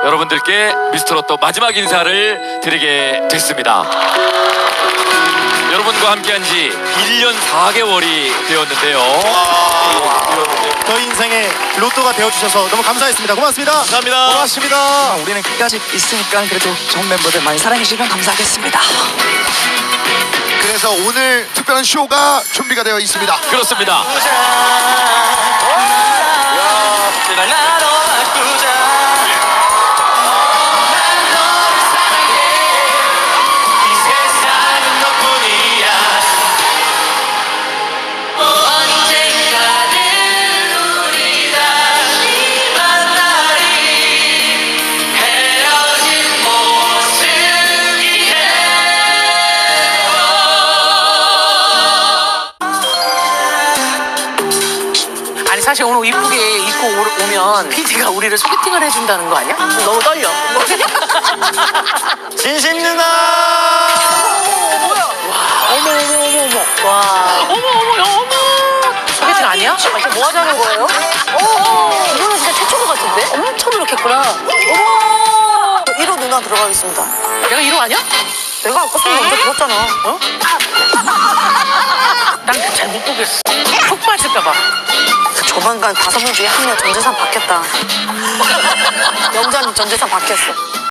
여러분들께 미스터로또 마지막 인사를 드리게 됐습니다. 여러분과 함께한 지 1년 4개월이 되었는데요. 저희 인생의 로또가 되어주셔서 너무 감사했습니다. 고맙습니다. 감사합니다. 고맙습니다. 우리는 끝까지 있으니까 그래도 좋은 멤버들 많이 사랑해주시면 감사하겠습니다. 그래서 오늘 특별한 쇼가 준비가 되어 있습니다. 그렇습니다. 아니 사실 오늘 이쁘게 입고 오면 PD가 우리를 소개팅을 해준다는 거 아니야? 너무 떨려. 진심 누나. 어머. 와. 어머. 소개팅 아니야? 진짜 뭐 하자는 거예요? 이거는 진짜 최초인 것 같은데? 엄청 노력했구나. 어머. 1호 누나 들어가겠습니다. 내가 1호 아니야? 내가 아까 소리 먼저 들었잖아. 어? 난 잘 못 보겠어. 푹 빠질까봐. 조만간 5명 중에 한 명 전재산 받겠다. 영자님 전재산 받겠어.